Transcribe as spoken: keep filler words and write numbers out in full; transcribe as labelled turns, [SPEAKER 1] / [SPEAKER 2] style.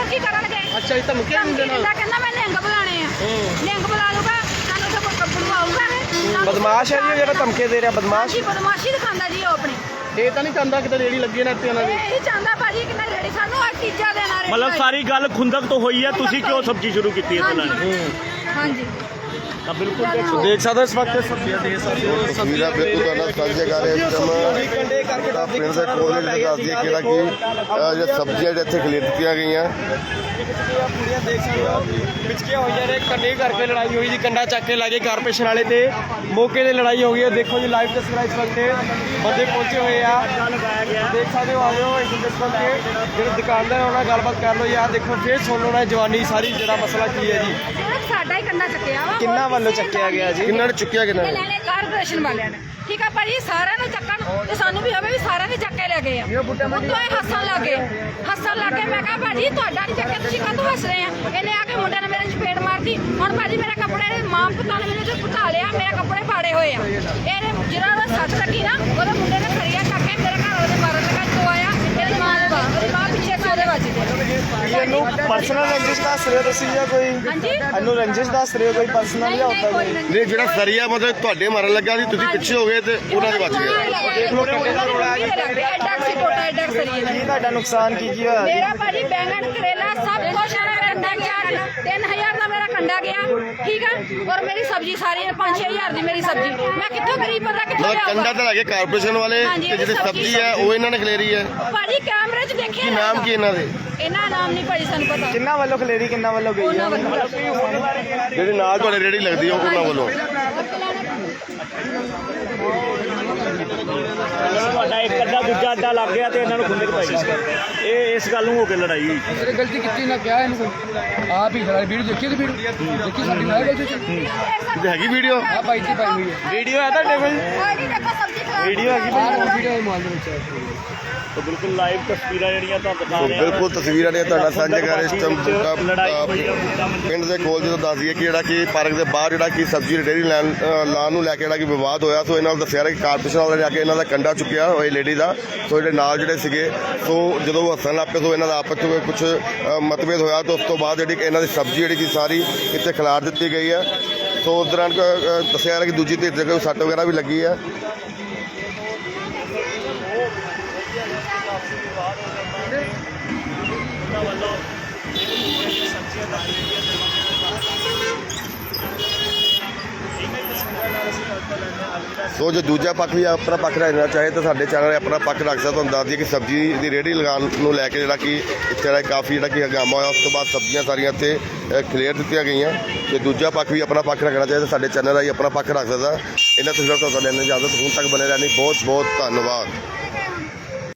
[SPEAKER 1] ਕੀ ਕਰਨਗੇ।
[SPEAKER 2] ਅੱਛਾ ਜੀ ਧਮਕੀਆਂ ਦਿੰਦੇ ਨਾਲ
[SPEAKER 1] ਕਹਿੰਦਾ ਮੈਂ ਲਿੰਗ ਬੁਲਾਣੇ ਆ ਲਿੰਗ ਬੁਲਾ ਲੂਗਾ ਸਾਨੂੰ ਤਾਂ ਕੋਈ ਕੱਪੜੂ ਆਊਗਾ।
[SPEAKER 2] ਬਦਮਾਸ਼ ਹੈ ਜੀ ਜਿਹੜਾ ਧਮਕੇ ਦੇ ਰਿਹਾ ਬਦਮਾਸ਼
[SPEAKER 1] ਜੀ ਬਦਮਾਸ਼ੀ ਦਿਖਾਉਂਦਾ ਜੀ ਉਹ ਆਪਣੀ।
[SPEAKER 2] ਇਹ ਤਾਂ ਨਹੀਂ ਚਾਹੁੰਦਾ ਕਿਤੇ ਰੇੜੀ ਲੱਗੀ ਨਾ ਇੱਥੇ ਉਹਨਾਂ ਦੀ।
[SPEAKER 1] ਇਹ ਚਾਹੁੰਦਾ ਭਾਜੀ ਕਿ ਮੈਂ ਰੇੜੀ ਸਾਨੂੰ ਆ ਤੀਜਾ ਦੇਣਾ ਰੇੜੀ
[SPEAKER 3] ਮਤਲਬ ਸਾਰੀ ਗੱਲ ਖੁੰਦਕ ਤੋਂ ਹੋਈ ਹੈ ਤੁਸੀਂ ਕਿਉਂ ਸਬਜ਼ੀ ਸ਼ੁਰੂ ਕੀਤੀ ਹੈ ਇਹਨਾਂ ਨੇ।
[SPEAKER 1] ਹਾਂਜੀ
[SPEAKER 3] ਤਾਂ ਬਿਲਕੁਲ
[SPEAKER 2] ਦੇਖ ਸਕਦੇ ਇਸ ਵਕਤ ਸਬਜ਼ੀਆਂ ਦੇ ਸਕਦੇ ਹੋ
[SPEAKER 4] ਤਸਵੀਰਾਂ ਬਿਲਕੁਲ ਤੁਹਾਡਾ ਸਾਂਝੇ ਕਰ ਰਹੇ ਇਸ ਟਾਈਮ ਪਿੰਡ ਦੇ ਕੋਲ ਜਿਹੜੇ ਦੱਸਦੀ ਹੈ ਕਿਹੜਾ ਕਿ ਜਿਹੜਾ ਸਬਜ਼ੀਆਂ ਜਿਹੜੇ ਇੱਥੇ ਖਰੀਦ ਦਿੱਤੀਆਂ ਗਈਆਂ
[SPEAKER 2] ਪੂਰੀਆਂ ਦੇਖ ਸਕਦੇ ਹੋ ਵਿਚਕੀਆਂ ਹੋਈਆਂ ਨੇ ਕੰਡੇ ਕਰਕੇ ਲੜਾਈ ਹੋਈ ਜੀ ਕੰਡਾ ਚੱਕ ਕੇ ਲਾਗੇ ਕਾਰਪੋਰੇਸ਼ਨ ਵਾਲੇ ਤੇ ਮੌਕੇ ਤੇ ਲੜਾਈ ਹੋ ਗਈ ਹੈ। ਦੇਖੋ ਜੀ ਲਾਈਵ ਤਸਵੀਰਾਂ ਇਸ ਵਕਤ ਬੰਦੇ ਪਹੁੰਚੇ ਹੋਏ ਆ ਦੇਖ ਸਕਦੇ ਹੋ। ਆਇਓ ਇਸ ਦੇਖੋ ਕਿ ਜਿਹੜੇ ਦੁਕਾਨਦਾਰ ਉਹਨਾਂ ਨਾਲ ਗੱਲਬਾਤ ਕਰ ਲਓ ਯਾਰ ਦੇਖੋ ਫੇਰ ਸੁਣ ਲਓ ਨਾ ਜਵਾਨੀ ਸਾਰੀ ਜਿਹੜਾ ਮਸਲਾ ਕੀ ਹੈ ਜੀ।
[SPEAKER 1] ਸਾਡਾ ਹੀ ਕੰਡਾ ਚੱਕਿਆ ਵਾ
[SPEAKER 2] ਕਿੰਨਾ ਵੱਲੋਂ ਚੱਕਿਆ ਗਿਆ ਜੀ
[SPEAKER 4] ਕਿੰਨਾਂ ਨੇ ਚੁੱਕਿਆ ਕਿੰਨਾਂ ਨੇ
[SPEAKER 1] ਲੈਣੇ ਕਾਰਪੋਰੇਸ਼ਨ ਵਾਲਿਆਂ ਨੇ ਠੀਕ ਆ ਭਾਜੀ ਸਾਰਿਆਂ ਨੂੰ ਚੱਕਣ ਤੇ ਸਾਨੂੰ ਵੀ ਹੋਵੇ ਵੀ ਸਾਰਿਆਂ ਨੇ ਚੱਕ ਕੇ ਲੈ ਗਏ ਆ ਉੱਤੋਂ ਇਹ ਹੱਸਣ ਲੱਗੇ ਹੱਸਣ ਲੱਗੇ ਮੈਂ ਕਿਹਾ ਭਾਜੀ ਤੁਹਾਡਾ ਨਹੀਂ ਚੱਕਿਆ ਤੁਸੀਂ ਕਾਹਤੋਂ ਹੱਸ ਰਹੇ ਆ। ਇਹਨੇ ਆ ਕੇ ਮੁੰਡੇ ਨੇ ਮੇਰੇ ਚਪੇੜ ਮਾਰਤੀ ਹੁਣ ਭਾਜੀ ਮੇਰੇ ਕੱਪੜੇ ਮਾਂ ਪੁੱਤਾਂ ਨੇ ਮੈਨੂੰ ਤੇ ਪੁੱਤਾ ਲਿਆ ਮੇਰੇ ਕੱਪੜੇ ਪਾੜੇ ਹੋਏ ਆ। ਇਹਨੇ ਜਿਹੜਾ ਦਾ ਸੱਟ ਲੱਗੀ ਨਾ ਉਹਦੇ ਮੁੰਡੇ ਨੇ ਖਰੀਆ ਚੱਕ ਕੇ ਮੇਰੇ ਘਰ ਵਾਲੇ ਮਾਰਨ ਲੱਗਾ ਜੋ ਆਇਆ ਇਹਦੀ ਮਾਂ ਦੇ ਬਾਹਰ ਉਹਦੀ ਮਾਂ ਪਿੱਛੇ ਸੋਦੇ ਵੱਜਦੇ।
[SPEAKER 2] ਇਹਨੂੰ ਪਰਸਨਲ ਰੰਜਿਸ਼ ਦੱਸ ਰਹੇ ਹੋ ਤੁਸੀਂ ਜਾਂ ਕੋਈ
[SPEAKER 1] ਹਾਂਜੀ
[SPEAKER 2] ਇਹਨੂੰ ਰੰਜਿਸ਼ ਦੱਸ ਰਹੇ ਹੋ ਕੋਈ ਪਰਸਨਲ ਜਾਂ ਹੁੰਦਾ ਕੋਈ
[SPEAKER 4] ਨਹੀਂ ਜਿਹੜਾ ਸਰੀਆ ਮਤਲਬ ਤੁਹਾਡੇ ਮਾਰਨ ਲੱਗਾ ਸੀ ਤੁਸੀਂ ਪਿੱਛੇ ਹੋ ਗਏ ਤੇ ਉਹਨਾਂ ਦੇ ਬਚ ਗਏ।
[SPEAKER 2] ਦੇਖ ਲਓ ਕੰਡੇ ਦਾ ਰੋੜਾ ਹੈ
[SPEAKER 1] ਐਡਾ ਸੀ ਟੋਟਾ ਐਡਾ ਸਰੀਏ
[SPEAKER 2] ਕੀ ਤੁਹਾਡਾ ਨੁਕਸਾਨ ਕੀ ਕੀ ਹੋਇਆ
[SPEAKER 1] ਮੇਰਾ ਭਾਜੀ ਬੈਂਗਣ ਕਰੇਲਾ ਸਭ ਕੁਛ ਮੇਰਾ ਕੰਡਾ ਗਿਆ ਤਿੰਨ ਹਜ਼ਾਰ ਦਾ ਮੇਰਾ ਕੰਡਾ ਗਿਆ ਠੀਕ ਹੈ ਔਰ ਮੇਰੀ ਸਬਜ਼ੀ ਸਾਰੀ ਪੰਜ ਛੇ ਹਜ਼ਾਰ ਦੀ ਮੇਰੀ ਸਬਜ਼ੀ ਮੈਂ ਕਿੱਥੋਂ ਗਰੀਬ ਬੰਦਾ ਕਿੱਥੋਂ
[SPEAKER 4] ਮਤਲਬ ਕੰਡਾ ਤਾਂ ਲੱਗੇ ਕਾਰਪੋਰੇਸ਼ਨ ਵਾਲੇ ਤੇ ਜਿਹੜੀ ਸਬਜ਼ੀ ਹੈ ਉਹ ਇਹਨਾਂ ਨੇ ਖਲੇਰੀ ਹੈ।
[SPEAKER 1] ਭਾਜੀ ਕੈਮਰੇ 'ਚ ਦੇਖਿਆ
[SPEAKER 4] ਕੀ ਨਾਮ ਕੀ ਇਹਨਾਂ ਦੇ
[SPEAKER 1] ਇਹਨਾਂ ਨਾਮ ਨਹੀਂ ਭਾਜੀ ਸਾਨੂੰ ਪਤਾ
[SPEAKER 2] ਕਿੰਨਾ ਵੱਲੋਂ ਖਲੇਰੀ ਕਿੰਨਾ ਵੱਲੋਂ ਗਈ
[SPEAKER 1] ਉਹਨਾਂ ਵੱਲੋਂ
[SPEAKER 4] ਜਿਹੜੇ ਨਾਲ ਤੁਹਾਡੇ ਰੇੜੀ ਲੱਗਦੀ ਉਹ ਉਹਨਾਂ ਵੱਲੋਂ
[SPEAKER 3] ਤੁਹਾਡਾ ਇੱਕ ਅੱਧਾ ਦੂਜਾ ਅੱਡਾ ਲੱਗ ਗਿਆ ਤੇ ਇਹਨਾਂ ਨੂੰ ਖੁੰਦਕ ਪੈ ਗਈ ਇਹ ਇਸ ਗੱਲ ਨੂੰ ਹੋ ਕੇ ਲੜਾਈ ਹੋਈ।
[SPEAKER 5] ਤੇਰੇ ਗਲਤੀ ਕੀਤੀ ਨਾ ਕਿਹਾ ਇਹਨੂੰ ਕੋਈ ਆਪ ਹੀ ਖੜਾ ਵੀਡੀਓ ਦੇਖੀ ਤੇ ਵੀਡੀਓ ਦੇਖੀ ਸਾਡੀ ਨਾਲ ਗਲਤੀ ਸੀ
[SPEAKER 4] ਤੇ ਹੈਗੀ ਵੀਡੀਓ
[SPEAKER 5] ਆ ਬਾਈ ਦੀ ਪਾਈ ਹੋਈ ਹੈ
[SPEAKER 2] ਵੀਡੀਓ ਹੈ ਤੁਹਾਡੇ ਕੋਲ
[SPEAKER 1] ਭਾਜੀ ਦੇਖੋ ਸਬਜ਼ੀ ਖਰਾਬ
[SPEAKER 2] ਵੀਡੀਓ ਹੈਗੀ
[SPEAKER 5] ਆਹ ਵੀਡੀਓ ਮਾਲ ਦੇ ਵਿੱਚ
[SPEAKER 3] ਤਾਂ ਬਿਲਕੁਲ ਲਾਈਵ ਤਸਵੀਰਾਂ ਜਿਹੜੀਆਂ ਤੁਹਾਨੂੰ ਦਿਖਾ ਰਹੇ
[SPEAKER 4] ਬਿਲਕੁਲ ਤਸਵੀਰਾਂ ਨੇ ਤੁਹਾਡਾ ਸਾਂਝਾ ਕਰ ਇਸ ਟਾਈਮ
[SPEAKER 3] ਲੜਾਈ ਹੋਈ ਆ ਮੁੱਦਾ
[SPEAKER 4] ਪਿੰਡ ਦੇ ਕੋਲ ਜਦੋਂ ਦੱਸ ਦਈਏ ਕਿ ਜਿਹੜਾ ਕਿ ਪਾਰਕ ਦੇ ਬਾਹਰ ਜਿਹੜਾ ਕਿ ਸਬਜ਼ੀ ਰੇਹੜੀ ਲੈਣ ਲਾਉਣ ਨੂੰ ਲੈ ਕੇ ਜਿਹੜਾ ਕਿ ਵਿਵਾਦ ਹੋਇਆ ਸੋ ਇਹਨਾਂ ਨੂੰ ਦੱਸਿਆ ਕਿ ਕਾਰਪੋਰੇਸ਼ਨ ਵਾਲੇ ਜਾ ਕੇ ਇਹਨਾਂ ਦਾ ਕੰਡਾ ਚੁੱਕਿਆ ਹੋਏ ਲੇਡੀ ਦਾ ਸੋ ਜਿਹੜੇ ਨਾਲ ਜਿਹੜੇ ਸੀਗੇ ਸੋ ਜਦੋਂ ਉਹ ਹੱਸਣ ਲੱਗ ਪਏ ਸੋ ਇਹਨਾਂ ਦਾ ਆਪਸ ਵਿੱਚ ਕੁਝ ਮਤਭੇਦ ਹੋਇਆ ਤਾਂ ਉਸ ਤੋਂ ਬਾਅਦ ਜਿਹੜੀ ਇਹਨਾਂ ਦੀ ਸਬਜ਼ੀ ਜਿਹੜੀ ਕਿ ਸਾਰੀ ਇੱਥੇ ਖਿਲਾਰ ਦਿੱਤੀ ਗਈ ਹੈ। ਸੋ ਉਸ ਦੌਰਾਨ ਦੱਸਿਆ ਜਾ ਰਿਹਾ ਕਿ ਦੂਜੀ ਧਿਰ ਤੇ ਕੋਈ ਸੱਟ ਵਗੈਰਾ ਵੀ ਲੱਗੀ ਹੈ। ਸੋ ਜੇ ਦੂਜਾ ਪੱਖ ਵੀ ਆਪਣਾ ਪੱਖ ਰੱਖਣਾ ਚਾਹੇ ਤਾਂ ਸਾਡੇ ਚੈਨਲ 'ਤੇ ਆਪਣਾ ਪੱਖ ਰੱਖ ਸਕਦਾ। ਤੁਹਾਨੂੰ ਦੱਸ ਦਈਏ ਕਿ ਸਬਜ਼ੀ ਦੀ ਰੇਹੜੀ ਲਗਾਉਣ ਨੂੰ ਲੈ ਕੇ ਜਿਹੜਾ ਕਿ ਇੱਥੇ ਜਿਹੜਾ ਕਾਫੀ ਜਿਹੜਾ ਕਿ ਹੰਗਾਮਾ ਹੋਇਆ ਉਸ ਤੋਂ ਬਾਅਦ ਸਬਜ਼ੀਆਂ ਸਾਰੀਆਂ ਇੱਥੇ ਕਲੀਅਰ ਦਿੱਤੀਆਂ ਗਈਆਂ। ਜੇ ਦੂਜਾ ਪੱਖ ਵੀ ਆਪਣਾ ਪੱਖ ਰੱਖਣਾ ਚਾਹੇ ਤਾਂ ਸਾਡੇ ਚੈਨਲ ਰਾਹੀਂ ਆਪਣਾ ਪੱਖ ਰੱਖ ਸਕਦਾ। ਇਹਨਾਂ ਤਸਵੀਰਾਂ ਤੋਂ ਲੈਣ ਦੀ ਇਜਾਜ਼ਤ ਹੁਣ ਤੱਕ ਬਣੇ ਰਹਿਣੀ ਬਹੁਤ ਬਹੁਤ ਧੰਨਵਾਦ।